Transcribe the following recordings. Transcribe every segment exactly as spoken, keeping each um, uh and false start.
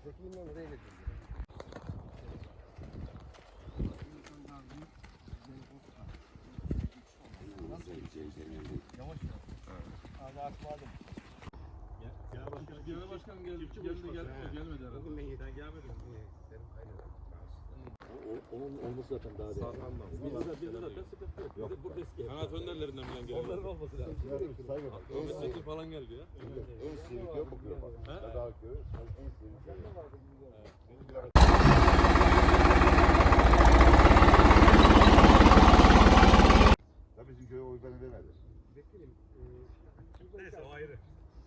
Zeki'nin oraya getirdim. Yavaş yavaş. Abi atmadım. Genel başkan, genel başkan geldi. Geldi gelmedi, gelmedi herhalde. Bugün ben yedim. Ben gelmedim. Benim kaynadım. O, onun olması zaten daha değil. Sağlamdan. Bizde de, bizde zaten sıkıntı yok. Yok. Burada eski. Kanaat önderlerinden bilen geldi. Onların olması lazım. Ahmet Metin falan geldi ya. En sivik yok bakıyor bak. He? Daha köy. En sivik yok. Tabii bizim köye oy bana vermedi. Vekilim. Neyse o ayrı.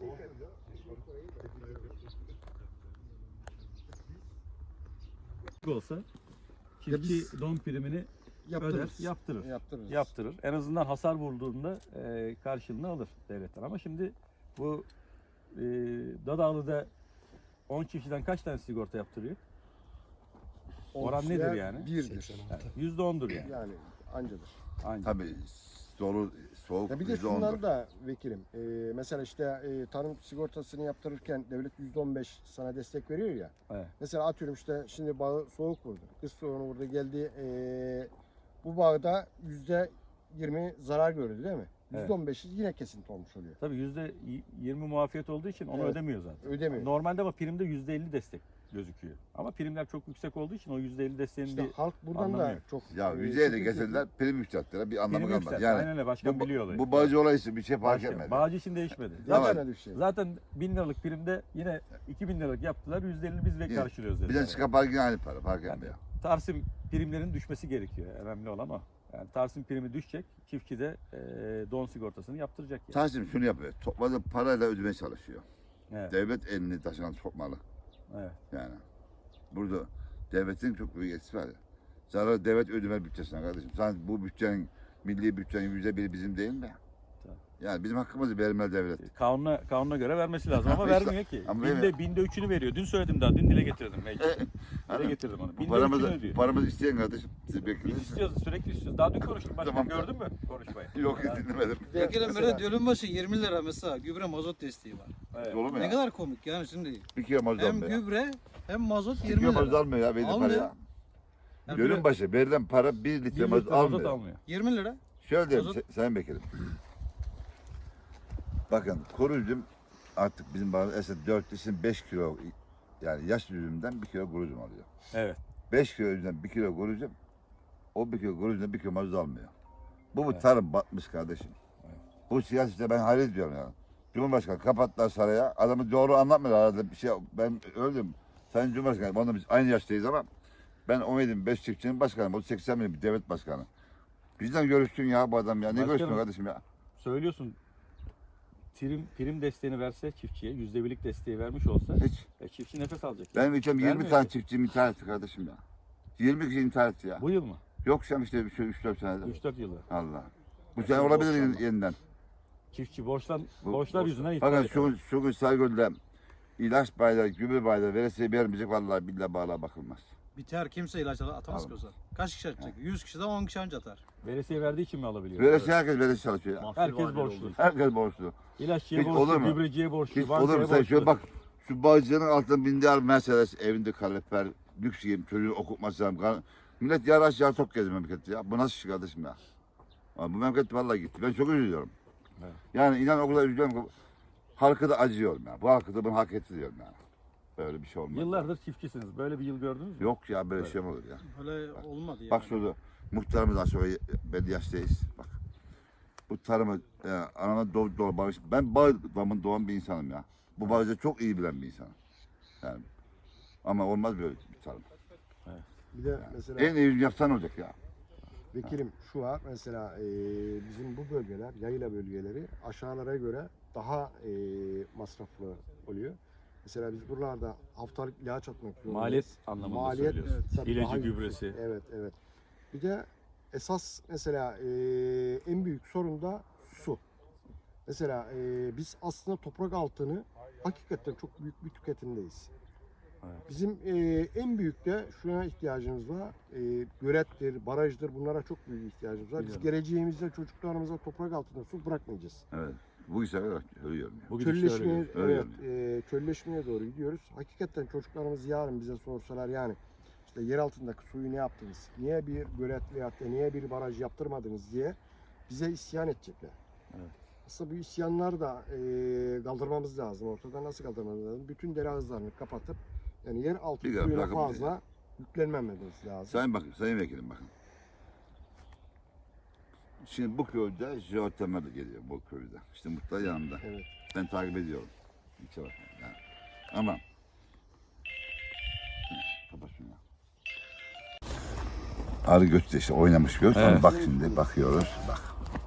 olsa çiftçi don primini öder, yaptırır. Yaptırırız. Yaptırır. En azından hasar vurduğunda e, karşılığını alır devletten. Ama şimdi bu e, Dadağlı'da on çiftçiden kaç tane sigorta yaptırıyor? Oran nedir yani? Birdir. Yani yüzde ondur yani. Yani ancadır. Aynen. Tabii dolu soğuk Ya bir de yüzde şundan ondur. da vekilim. E, mesela işte e, tarım sigortasını yaptırırken devlet yüzde on beş sana destek veriyor ya. Evet. Mesela atıyorum işte şimdi bağı soğuk vurdu. Kış soğuğunu vurdu geldi. E, bu bağda yüzde yirmi zarar gördü değil mi? Evet. yüzde on beşi yine kesinti olmuş oluyor. Tabii yüzde yirmi muafiyet olduğu için onu Evet. ödemiyor zaten. Ödemiyor. Normalde ama primde yüzde elli destek gözüküyor. Ama primler çok yüksek olduğu için o yüzde elli desteğin İşte bir halk buradan anlamı da yok. çok Ya e, yüzeye de sıkıntı getirdiler, prim yükselttiler. Bir anlamı prim kalmadı. yükseltti. Yani Aynen öyle. Başkan bu, biliyor olayı. bu bağcı olayı bir şey fark Başka- etmedi. Bağcı için değişmedi. Tamam. Zaten, Zaten öyle bir şey. zaten bin liralık primde yine iki bin liralık yaptılar. yüzde elli biz de Yine- karşılıyoruz Bir dediler. de çıkan park yine aynı para, fark Yani etmiyor. Tarsim primlerinin düşmesi gerekiyor. Önemli olan o. Yani Tarsim primi düşecek. Çiftçi de e, don sigortasını yaptıracak yani. Tahsin şunu yapıyor, topladığı parayla ödemeye çalışıyor. Evet. Devlet elini taşına sokmalı. Evet. Yani burada devletin çok büyük etkisi var. Zarar devlet ödeme bütçesine kardeşim. Sen bu bütçenin, milli bütçenin yüzde biri bizim değil mi? Tabii. Yani bizim hakkımızı vermeli devlet. Kanuna, kanuna göre vermesi lazım ama İşte- vermiyor ki. ama Binde, vermiyor. binde üçünü veriyor. Dün söyledim daha. Dün dile getirdim. Mecliste. Dile Hani getirdim onu. bu Binde üçünü paramızı, ödüyor. paramızı isteyen kardeşim. Siz Biz bekleyin. istiyoruz. Sürekli istiyoruz. Daha dün konuştum. Başkan Tamam. gördün mü konuşmayı? Yok dinlemedim. Vekilim böyle dönüm başı yirmi lira mesela gübre mazot desteği var. Evet. Dolu mu Ne ya? kadar komik yani şimdi. Bir kilo mazot Hem almıyor ya. gübre hem mazot Bir yirmi kilo mazot lira. almıyor ya. Verdiği Almıyor. para ya. Yani Bölüm böyle başı verilen para bir litre Bir litre mazot mazot almıyor. almıyor. yirmi lira. Şöyle diyeyim Mazot- Se- Sayın Vekilim. Bakın kuru üzüm artık bizim bazı eser dört lisin beş kilo yani yaş üzümden bir kilo kuru üzüm alıyor. Evet. beş kilo üzümden bir kilo kuru üzüm o bir kilo kuru üzümden bir kilo mazot almıyor. Bu bu Evet. tarım batmış kardeşim. Bu siyasete ben hayret ediyorum ya. Cumhurbaşkanı kapattılar saraya. Adamı doğru anlatmıyor arada bir şey. Ben öldüm. Sayın Cumhurbaşkanı, onunla biz aynı yaştayız ama ben on yedi beş çiftçinin başkanı. O seksen bin bir devlet başkanı. Bizden görüşsün ya bu adam ya. Ne Başkanım. görüşsün kardeşim ya? Söylüyorsun. Prim, prim desteğini verse çiftçiye, yüzde birlik desteği vermiş olsa Hiç. e, çiftçi nefes alacak. Benim ülkem yirmi Vermiyor tane ki. çiftçim intihar etti kardeşim ya. yirmi kişi intihar etti ya. Bu yıl mı? Yok sen işte üç dört senede. üç dört yılı. Allah. Bu Ya sene çok olabilir borçlanma. yeniden. Çiftçi borçlan, Bu- borçlar borç- yüzünden iptal Bakın ediyor. şu, şu gün Saygöl'de ilaç bayrağı, gübre bayrağı veresiye vermeyecek vallahi billahi bağla bakılmaz. Biter kimse ilaç al- atamaz ki o zaman. Kaç kişi atacak? yüz kişiden on kişi anca atar. Veresiye verdiği için mi alabiliyor? Veresiye herkes veresiye çalışıyor ya. Herkes borçlu. Herkes borçlu. İlaççıya Hiç olur borçlu, mu? gübreciye borçlu, Hiç bankaya olur mu sen borçlu. şöyle bak. Şu bağcının altında bindi al Mercedes evinde kalorifer, lüks yiyeyim, çocuğu okutması lazım. Kar- Millet yar aşağı tok geziyor memlekette ya. Bu nasıl iş kardeşim ya? Abi bu memleket vallahi gitti. Ben çok üzülüyorum. Evet. Yani Yani inan o kadar üzülüyorum ki halkı da acıyorum ya. Bu halkı da bunu hak etti diyorum ya. Böyle bir şey olmaz. Yıllardır çiftçisiniz. Böyle bir yıl gördünüz mü? Yok ya böyle şey mi olur ya? Öyle olmadı yani. Bak şurada muhtarımız aşağı belli yaştayız. Bak. Bu tarımı e, anama doğru doğru bağış. Ben Bağdam'ın doğan bir insanım ya. Bu bağcı çok iyi bilen bir insanım. Yani ama olmaz böyle bir tarım. Bir de mesela En iyi yapsan olacak ya. vekilim şu var mesela e, bizim bu bölgeler yayla bölgeleri aşağılara göre daha e, masraflı oluyor. Mesela biz buralarda haftalık ilaç atmak zorundayız. Maliyet anlamında Maliyet söylüyorsun. tabii İlacı, daha yüksek. gübresi. Evet evet. Bir de esas mesela e, en büyük sorun da su. Mesela e, biz aslında toprak altını hakikaten çok büyük bir tüketimdeyiz. Evet. Bizim e, en büyük de şuna ihtiyacımız var. E, gölettir, barajdır bunlara çok büyük ihtiyacımız var. Biz Biliyorum. geleceğimizde çocuklarımıza toprak altında su bırakmayacağız. Evet. bu işler ölüyorum ya. Bu gidişle öyle Çölleşmeye, görüyoruz. evet, e, çölleşmeye doğru gidiyoruz. Hakikaten çocuklarımız yarın bize sorsalar yani işte yer altındaki suyu ne yaptınız? Niye bir gölet veyahut da niye bir baraj yaptırmadınız diye bize isyan edecekler. Evet. Aslında bu isyanları da e, kaldırmamız lazım. Ortadan nasıl kaldırmamız lazım? Bütün dere havuzlarını kapatıp yani yer altı Bir suyuna bırakıp- fazla yüklenmememiz lazım. Sayın bakın, sayın vekilim bakın. Şimdi bu köyde jeotermal geliyor bu köyde. İşte Mutlaka yanımda. Evet. Ben takip ediyorum. Hiç bakma yani. Ama Hı, kapat şunu ya. Arı göz de işte oynamış göz. Evet. Ama bak şimdi bakıyoruz. Bak.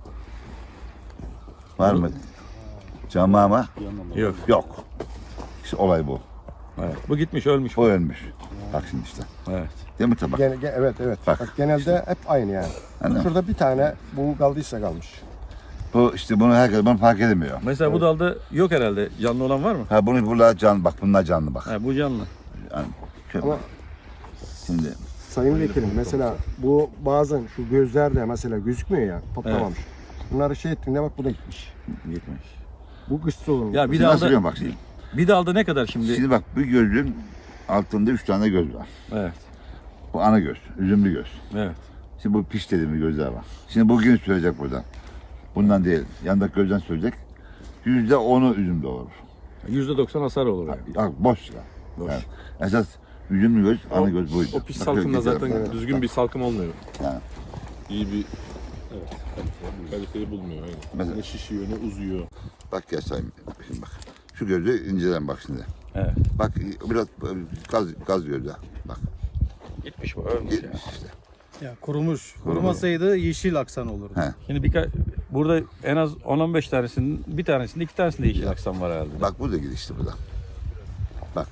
Var mı? Cama ama Yok. yok. İşte olay bu. Evet. Bu gitmiş ölmüş. O ölmüş. Bak şimdi işte. Evet. Değil mi tabak? Gene, ge- evet evet. Bak. Bak, genelde hep aynı yani. Anladın mı? Şurada bir tane bu kaldıysa kalmış. Bu işte bunu herkes bunu fark edemiyor. Mesela bu dalda yok herhalde. Canlı olan var mı? Ha bunu bunlar canlı bak bunlar canlı bak. Ha, bu canlı. Yani, şöyle Ama bak. Şimdi Sayın Vekilim mesela bu bazen şu gözlerde mesela gözükmüyor ya toplamamış. Bunları şey ettiğinde bak bu da gitmiş. Gitmiş. Bu kışta olur. Ya bir Şimdi nasıl dalda biliyorum bak şimdi. bir dalda ne kadar şimdi? Şimdi bak bu gözün altında üç tane göz var. Evet. Bu ana göz, üzümlü göz. Evet. Şimdi bu piş dediğimiz gözler var. Şimdi bugün sürecek buradan. Bundan değil, yandaki gözden sürecek. Yüzde onu üzümde olur. yüzde doksan hasar olur yani. Bak boş ya. Boş. Yani esas üzümlü göz, ana göz buydu. O pis Bak, salkımda güzel. zaten Evet. düzgün bir salkım olmuyor. Yani. İyi bir evet, kaliteli, kaliteli bulmuyor. Aynen. Mesela- Ne şişiyor ne uzuyor. Bak gel sayayım. Şimdi bak. Şu gözü inceden bak şimdi. Evet. Bak biraz gaz, gaz gözü. Bak Gitmiş bu ölmüş ya. gitmiş işte. Ya kurumuş. Kurumasaydı yeşil aksan olurdu. He. Şimdi birkaç burada en az on on beş tanesinin bir tanesinde iki tanesinde yeşil aksam var herhalde. Bak bu da girişti burada. Bak.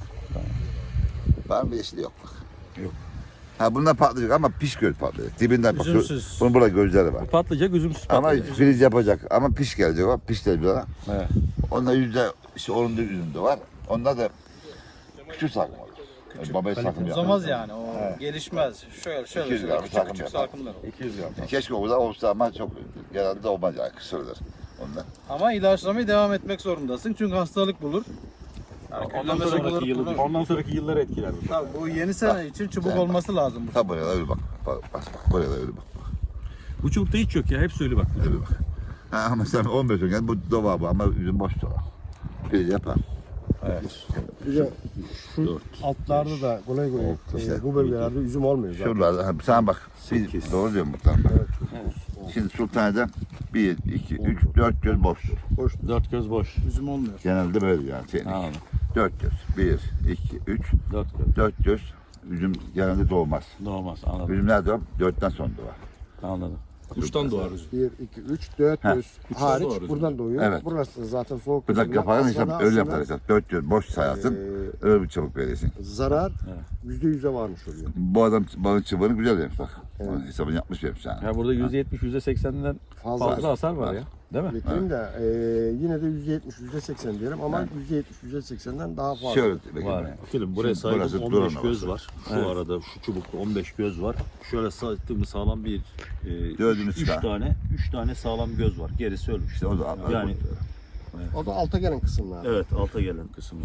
Var mı yeşili yok bak. Yok. Ha bunlar patlayacak ama piş göz patlayacak. Dibinden bak. Üzümsüz. Bunun burada gözleri var. Bu patlayacak, üzümsüz Ama patlayacak. filiz yapacak ama piş gelecek o. Piş de bir Evet. Onda yüzde işte onun da üzümde var. Onda da küçük sakım olur. Küçük. Babaya sakım Uzamaz yani. O gelişmez. Şöyle şöyle iki yüz şöyle gram küçük sakım küçük yapar. salkımlar olur. iki yüz gram. Keşke o da olsa ama çok genelde olmaz yani kısırdır. Ondan. Ama ilaçlamaya devam etmek zorundasın. Çünkü hastalık bulur. Yani Ondan külleme sonraki sokuları yılı, bulur. ondan sonraki yılları etkiler bu. Tabii bu yeni sene için çubuk Sen olması lazım. Bu. Ha buraya da öyle bak. Bak bak, bak buraya da öyle bak. Bu çubukta hiç yok ya. Hepsi öyle bak. Öyle bak. Ha ama sen on beş gün bu dova bu ama üzüm boş dova. Filiz yapar. Evet. Bir de şu altlarda da kolay kolay İşte. e, bu bölgelerde üzüm olmuyor zaten. Şuralarda ha, sen bak. Bir, doğru diyorum muhtemelen. Bak. Şimdi Sultanahmet'te bir, iki, üç, dört göz boştur. Boş. Dört göz boş. Üzüm olmuyor. Genelde böyle yani. Teknik. Anladım. Dört göz. Bir, iki, üç, Dört göz. dört göz. Üzüm genelde doğmaz. Doğmaz. Anladım. Üzüm nerede doğar? Dörtten sonra doğar. Anladım. Kuştan doğar üzüm. bir, iki, üç, dört Ha. göz Üçten hariç doğru buradan doğuyor. Evet. Burası zaten soğuk. Bir dakika yüzünden kapağı aslında- hesap öyle aslında, yapar. Dört göz boş sayarsın. e, Öyle bir çabuk verirsin. zarar Evet. yüzde yüze varmış oluyor. Bu adam balın çıbığını güzel yemiş bak. Evet. Onun hesabını yapmış yemiş yani. Ya burada yüzde yetmiş, yüzde seksenden Fazla. fazla hasar var ya. Değil mi? Vekilim de e, yine de yüzde yetmiş, yüzde seksen diyelim ama yüzde yetmiş, yüzde seksenden daha fazla. Şöyle Var bakayım. yani. Bakın buraya Şimdi burası saydım duran on beş göz havası. var. Şu Evet. arada şu çubukta on beş göz var. Şöyle saydığımız sağlam bir e, Dördünü üç, üç çıkar. tane üç tane sağlam göz var. Gerisi ölmüş. İşte o da Yani O da alta gelen kısımlar. evet alta gelen kısımlar.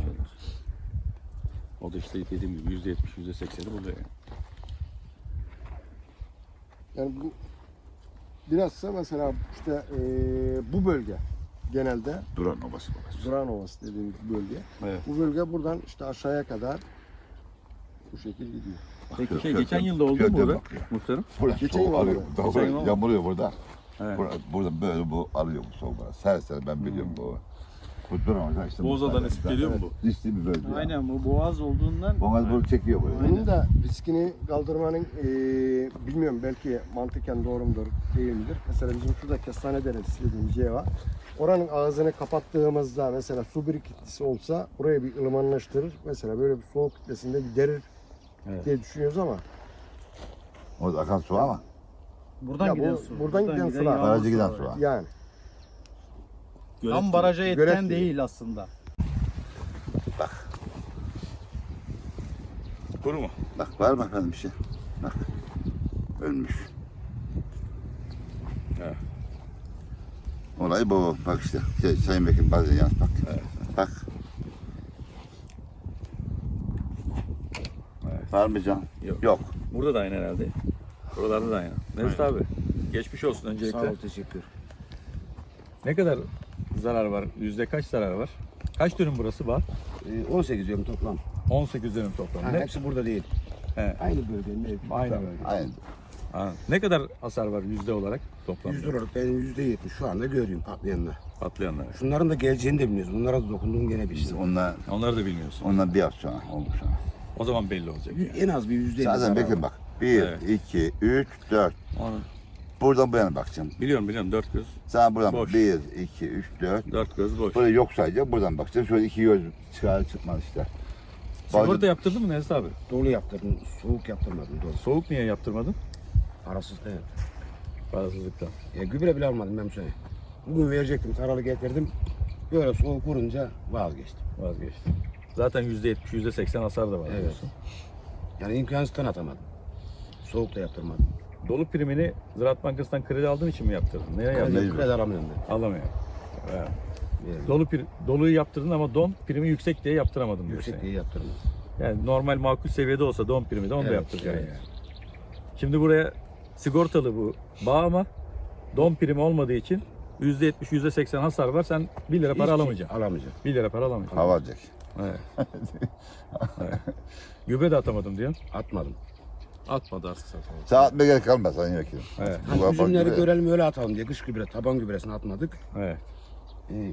O da işte dediğim gibi yüzde yetmiş, yüzde sekseni buluyor yani. Yani bu bilhassa mesela işte e, bu bölge genelde duran obası babası. Duran Ovası dediğimiz bölge. Evet. Bu bölge buradan işte aşağıya kadar bu şekil gidiyor. Peki Şöyle- şey şöyle- geçen yılda oldu mu şöyle burada? bakıyor. Muhtarım. Burada Geçen soğuk yıl alıyor. oldu. Daha Geçen böyle yıl oldu. yağmurluyor burada. Evet. Burada, burada böyle bu alıyor bu soğuk. Her sene ben biliyorum bu. Bu duran ovası işte. Boğaza'dan esip geliyor mu bu? Riskli bir bölge. yani. Aynen bu boğaz olduğundan Boğaz bunu çekiyor buraya. Bunun da riskini kaldırmanın e, bilmiyorum belki mantıken doğru mudur değil midir? Mesela bizim şurada kestane deresi dediğimiz yer var. Oranın ağzını kapattığımızda mesela su birikintisi olsa burayı bir ılımanlaştırır. Mesela böyle bir soğuk kütlesinde giderir Evet. diye düşünüyoruz ama Orada akan su ama. buradan Ya bu- giden su. buradan giden sular. yağmur Barajı giden suları. su var. yani Tam baraja Gölet etken değil. değil aslında. Kuru mu? Bak var mı efendim bir şey? Bak. Ölmüş. Evet. Olay bu. Bak işte. Şey, Sayın Vekilim bazen yalnız bak. Bak. Evet. Var mı can? Yok. Yok. Burada da aynı herhalde. Buralarda da aynı. Mesut abi, geçmiş olsun öncelikle. Sağ ol, teşekkür. Ne kadar zarar var? Yüzde kaç zarar var? Kaç dönüm burası var? Ee, on sekiz diyorum toplam. on sekiz dönüm toplam. Ha, Ne? hepsi burada değil. He. Aynı bölgenin ev. Aynı bölge. Aynen. Ha. Ne kadar hasar var yüzde olarak toplamda? Yüzde olarak ben yüzde yetmiş şu anda görüyorum patlayanlar. Patlayanlar. Şunların da geleceğini de bilmiyoruz. Bunlara da dokunduğum gene bir Biz şey. onunla, Onları da bilmiyorsun. ondan bir hafta sonra oldu sonra. O zaman belli olacak. Yani. En az bir yüzde elli Zaten zarar bekle var. bak. Bir, Evet. iki, üç, dört. Onu Buradan bu yana bakacağım. biliyorum biliyorum dört göz. Sen buradan Boş. bir, iki, üç, dört. Dört göz boş. Böyle yok sayacağım. Buradan bakacağım. Şöyle iki göz çıkar çıkmaz işte. Sigorta yaptırdın mı Nezih abi? Dolu yaptırdım, soğuk yaptırmadım. Dolu. Soğuk niye yaptırmadın? Parasız evet. Parasızlıktan. E, gübre bile almadım ben bu sene. Bugün verecektim, taralı getirdim. Böyle soğuk vurunca vazgeçtim. Vazgeçtim. Zaten yüzde yetmiş, yüzde seksen hasar da var Evet. diyorsun. Yani imkansızdan atamadım. Soğuk da yaptırmadım. Dolu primini Ziraat Bankası'ndan kredi aldığın için mi yaptırdın? Neye yaptırdın? mecbur. Kredi alamıyorum ben. Alamıyor. Evet. Yani Dolu pri- doluyu yaptırdın ama don primi yüksek diye yaptıramadın diyorsun. yüksek diye yaptırmadım. Yani normal makul seviyede olsa don primi de onu da Evet, yaptıracaksın evet. yani. Şimdi buraya sigortalı bu bağ ama don primi olmadığı için yüzde yetmiş, yüzde seksen hasar var. Sen bir lira para Hiç alamayacaksın. Alamayacağım. Bir lira para alamayacaksın. Hava alacak. Evet. Evet. Gübre de atamadım diyorsun. Atmadım. Atmadı artık zaten. Saat mi gerek kalmaz Sayın Vekilim. Evet. Bu Ha, üzümleri gibi. görelim öyle atalım diye kış gübre, taban gübresini atmadık. Evet. Ee,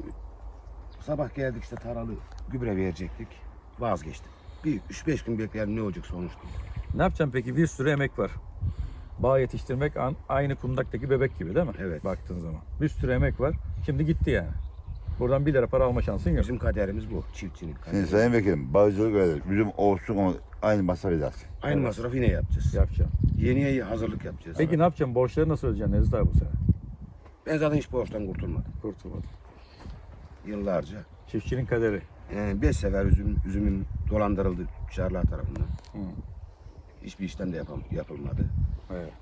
sabah geldik işte taralı gübre verecektik. Vazgeçtim. Bir üç beş gün bekleyelim ne olacak sonuçta. Ne yapacaksın peki? Bir sürü emek var. Bağ yetiştirmek an- aynı kundaktaki bebek gibi değil mi? Evet. Baktığın zaman. Bir sürü emek var. Şimdi gitti yani. Buradan bir lira para alma şansın yok. Bizim kaderimiz bu. Çiftçinin Şimdi kaderi. Sayın Vekilim bağcılık öyle. Bizim olsun onu aynı masraf edersin. Aynı Evet. masrafı yine yapacağız. Yapacağım. Yeniye hazırlık yapacağız. Peki ne yapacaksın? Borçları nasıl ödeyeceksin Nezih abi bu sene? Ben zaten hiç borçtan kurtulmadım. Kurtulmadım. Yıllarca. Çiftçinin kaderi. Ee, beş sefer üzüm, üzümüm dolandırıldı tüccarlar tarafından. Hı. Hiçbir işlem de yapam, yapılmadı. Evet.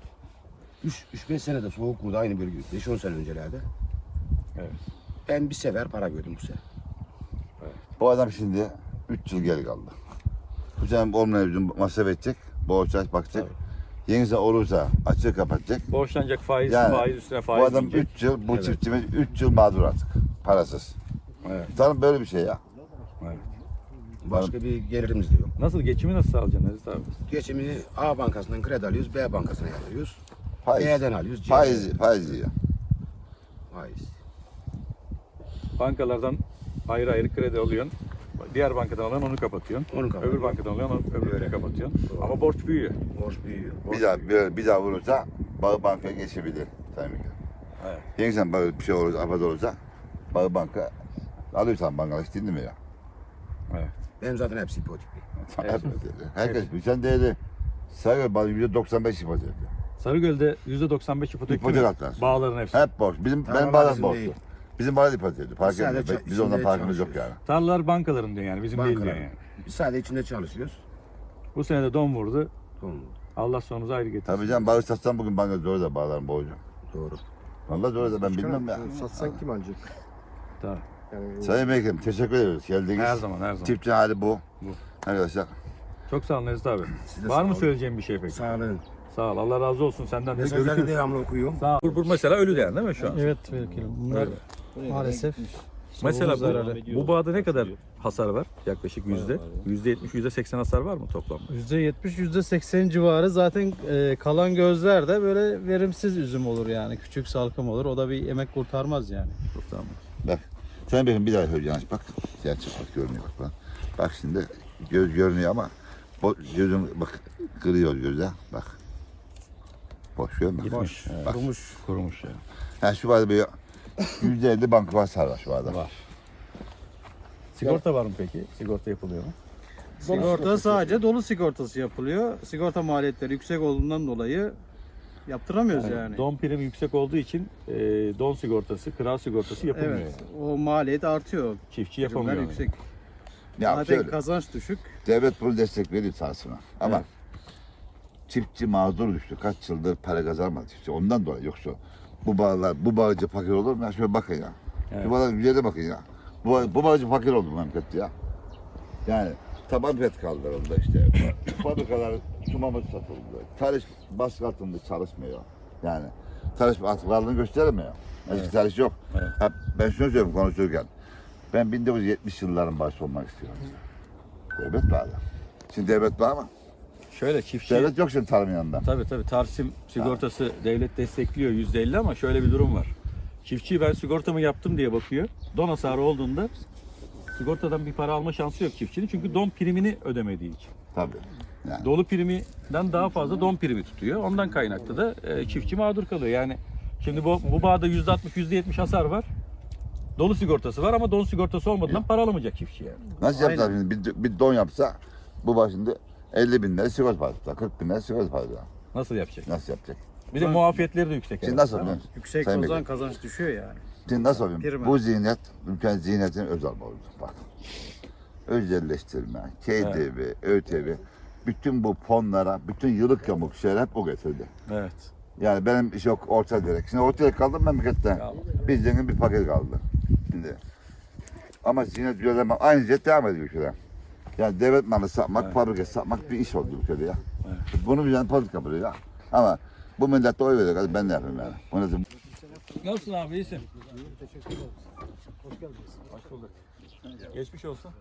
üç beş senede soğuk vurdu aynı bölge. beş on sene öncelerde. Evet. Ben bir sefer para gördüm bu sene. Bu adam şimdi üç yıl geri kaldı. Bu sene olmayan bizim masraf edecek. Borç aç bakacak. Yenisi olursa açık kapatacak. Borçlanacak faiz, Yani faiz üstüne faiz Bu adam yiyecek. üç yıl, bu Evet. çiftçimiz üç yıl mağdur artık. Parasız. Evet. Tanrım böyle bir şey ya. Evet. Başka bir gelirimiz de yok. Nasıl? Geçimi nasıl sağlayacaksın Nezih abi? Geçimini A bankasından kredi alıyoruz, B bankasına yatırıyoruz. Faiz. B'den alıyoruz, C'den Faiz, alıyoruz. faiz yiyor. Faiz. Bankalardan ayrı ayrı kredi alıyorsun. Diğer bankadan alan onu kapatıyorsun. Onu Öbür kapatıyorsun. bankadan alan onu öbürünü Öyle. kapatıyorsun. Doğru. Ama borç büyüyor. Borç büyüyor. Borç Bir daha, büyüyor. bir, bir daha vurursa Bağ Banka'ya geçebilir. Sayın Vekilim. Evet. Yeniden böyle bir şey olursa, afet olursa Bağ Banka alıyorsan bankalar hiç dinlemiyor ya. Evet. Benim zaten hepsi hipotekli. Evet. Herkes bir sen değeri sayıyor bana yüzde doksan beş ipotek yapıyor. Sarıgöl'de yüzde doksan beş ipotek İpotek değil mi? atlar. Bağların hepsi. Hep borç. Bizim Tarlalar benim bağlar bizim borçlu. değil. Bizim bağlar ipotekli. Fark Sadece etmiyor. ça- Biz ondan içinde farkımız yok yani. çalışıyoruz. Tarlalar bankaların diyor yani bizim değil diyor Bankalar. yani. Biz sadece içinde çalışıyoruz. Bu sene de don vurdu. Doğru. Allah sonumuzu ayrı getirsin. Tabii canım bağış satsam bugün banka zor da bağlarım borcu. Doğru. Vallahi zor da ben Başkanım, bilmem ya. Satsan kim alacak? Tamam. Yani Sayın Vekilim teşekkür ediyoruz. Geldiniz. Her zaman her zaman. Çiftçi hali bu. Bu. Arkadaşlar Çok sağ ol Nezih abi. Siz de Var sağ mı olun. söyleyeceğim bir şey peki? Sağlığın. Sağ ol. Allah razı olsun senden de. Mesajları Görüşürüz. devamlı okuyorum. Sağ ol. Bu, bu mesela ölü değer değil mi şu an? Evet vekilim. Bunlar maalesef Mesela zararı. bu, bu bağda ne kadar hasar var? Yaklaşık yüzde. Yüzde yetmiş, yüzde seksen hasar var mı toplamda? yüzde yetmiş yüzde seksen civarı zaten e, kalan gözler de böyle verimsiz üzüm olur yani. Küçük salkım olur. O da bir emek kurtarmaz yani. Tamam. Sayın Vekilim bir daha söyleyeceğim. Bak. Gerçek bak görünüyor bak. Bak, bak şimdi göz görünüyor ama bu gözüm bak kırıyor göze. Bak. Boş görmüyor musun? Gitmiş. Evet. Bak. Kurumuş. Kurumuş ya. Yani şu vardı bir yüzde elli banka hasar var şu anda. Var. Sigorta var mı peki? Sigorta yapılıyor mu? Sigorta sadece dolu sigortası yapılıyor. Sigorta maliyetleri yüksek olduğundan dolayı yaptıramıyoruz yani. Yani don primi yüksek olduğu için e, don sigortası, kira sigortası yapılmıyor. Evet. Yani. O maliyet artıyor. Çiftçi yapamıyor. Primler yani. yüksek. Ya Zaten şöyle, kazanç düşük. devlet bunu destek veriyor sahasına. Ama Evet. çiftçi mağdur düştü. Kaç yıldır para kazanmadı çiftçi. Ondan dolayı yoksa Bu bağlar, bu bağcı fakir olur mu? Ya şöyle bakın ya. Evet. Şu bağlar güzele bakın ya. Bu, bağ- bu bağcı fakir oldu memleket ya. Yani taban pet kaldırıldı işte. Fabrikalar sumamız satıldı. Tarih baskı altında çalışmıyor. Yani tarih varlığını göstermiyor. Eski Evet. tarih yok. Evet. Ha, ben şunu söylüyorum konuşurken. Ben bin dokuz yüz yetmiş yılların başı olmak istiyorum. Devlet bağlı. Şimdi devlet var mı? Şöyle çiftçi... Devlet yok şimdi tarım yanında. Tabii tabii Tarsim sigortası devlet destekliyor yüzde elli ama şöyle bir durum var. Çiftçi ben sigortamı yaptım diye bakıyor. Don hasarı olduğunda sigortadan bir para alma şansı yok çiftçinin. Çünkü don primini ödemediği için. Tabii. Yani. Dolu priminden daha fazla don primi tutuyor. Ondan kaynaklı da e, çiftçi mağdur kalıyor. Yani şimdi bu, bu bağda yüzde altmış yüzde yetmiş hasar var. Dolu sigortası var ama don sigortası olmadan para alamayacak çiftçi yani. Nasıl yaptılar şimdi? Bir, bir don yapsa bu başında elli bin lira sigorta parası, kırk bin lira sigorta parası. Nasıl yapacak? Nasıl yapacak? Bir de muafiyetleri de yüksek. Şimdi herhalde. nasıl biliyor musun? Yüksek Sayın o zaman Bekir. kazanç düşüyor yani. Şimdi nasıl oluyor? Prima. Bu zihniyet, ülkenin zihniyetinin özel oldu. Bak. Özelleştirme, K D V, Ö T V, bütün bu fonlara, bütün yıllık yamuk şeyler hep o getirdi. Evet. Yani benim iş yok orta direk. Şimdi orta direk kaldım memlekette. Tamam. Bizden bir paket kaldı. Şimdi. Ama zihniyet düzenleme aynı jet devam ediyor ülkede. Yani devlet malı satmak, Evet. fabrika satmak bir iş oldu ülkede ya. Evet. Bunu bir politika yapıyor ya. Ama bu millet de oy veriyor. Hadi ben de yapayım yani. Bu nedir? Nasılsın abi iyisin? Teşekkür ederim. Hoş geldiniz. Hoş bulduk. Geçmiş olsun.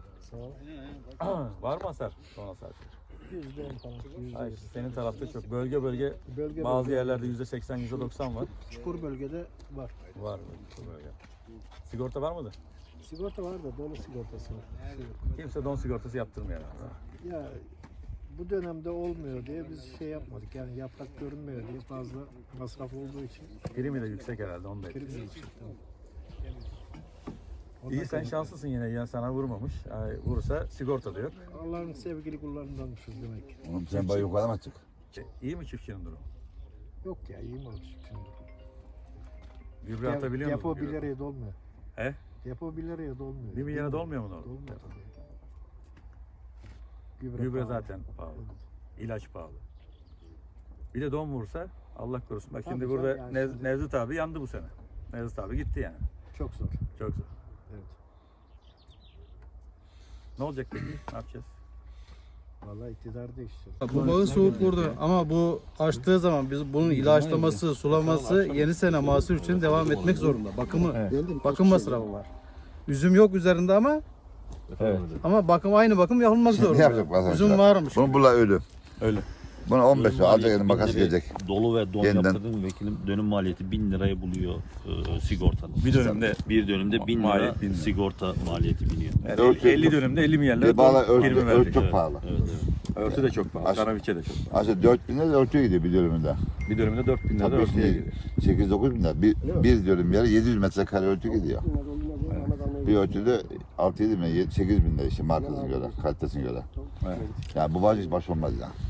Sağ ol. Var mı hasar? Son hasar. Yüzde on falan. Hayır, senin tarafta çok. Bölge bölge, Bölge bazı bölge. yerlerde yüzde seksen, yüzde doksan var. Çukur bölgede var. Var bu bölge. Sigorta var mıdır? Sigorta var da dolu sigortası var. Kimse don sigortası yaptırmıyor herhalde. Ya bu dönemde olmuyor diye biz şey yapmadık. Yani yaprak görünmüyor diye fazla masraf olduğu için. Primi de yüksek herhalde onu da Prim etkiliyor. yüksek, tamam. Ondan İyi sen kaynaklı. şanslısın yine. Yani sana vurmamış. Ay, vurursa sigorta da yok. Allah'ın sevgili kullarındanmışız demek. Oğlum sen bana yukarı mı çık? İyi mi çiftçinin durumu? Yok ya iyi mi olmuş şimdi? Gübre Dep- atabiliyor Depo musun? bir liraya dolmuyor. He? Depo bir liraya dolmuyor. Bir milyara dolmuyor mu orada? Dolmuyor tabii. Gübre pahalı. zaten pahalı. İlaç pahalı. Bir de don vursa Allah korusun. Bak Tabii şimdi canım, burada yani Nez, şimdi- Nevzat abi yandı bu sene. Nevzat abi gitti yani. Çok zor. Çok zor. Evet. Ne olacak peki? Ne yapacağız? Vallahi iktidar değişti. Bu bağı soğuk vurdu ama bu açtığı zaman biz bunun ilaçlaması, sulaması yeni sene mahsul için devam etmek zorunda. Bakımı, bakım masrafı var. Üzüm yok üzerinde ama Evet. ama bakım aynı bakım yapılmak Ne zorunda. yapacak bazen? Üzüm varmış. Bunu bula ölü. Öyle. Bunu on beş Dönüm lira alacak maliyeti elin makas bin liraya- gelecek. Dolu ve don Yeniden. yaptırdığım vekilim dönüm maliyeti bin liraya buluyor e, sigortanın. Bir dönemde Bir dönümde bin lira Maliyet bin lira. sigorta maliyeti biniyor. yani Örtü- elli dönümde elli milyarlar Bir bağla don örtü, primi örtü verdik. çok Evet. pahalı. Evet, evet. Örtü de çok pahalı. Aş- Kanaviçe de çok pahalı. Aslında dört bin lira örtü gidiyor bir dönümünde. Bir dönemde dört bin lira Tabii örtüye şimdi gidiyor. sekiz dokuz bin lira. Bir, bir dönüm yere yedi yüz metrekare örtü gidiyor. Bir örtüde altı yedi bin lira, sekiz bin lira işte markasına göre, kalitesine göre. Evet. Yani bu baş iş baş olmaz ya.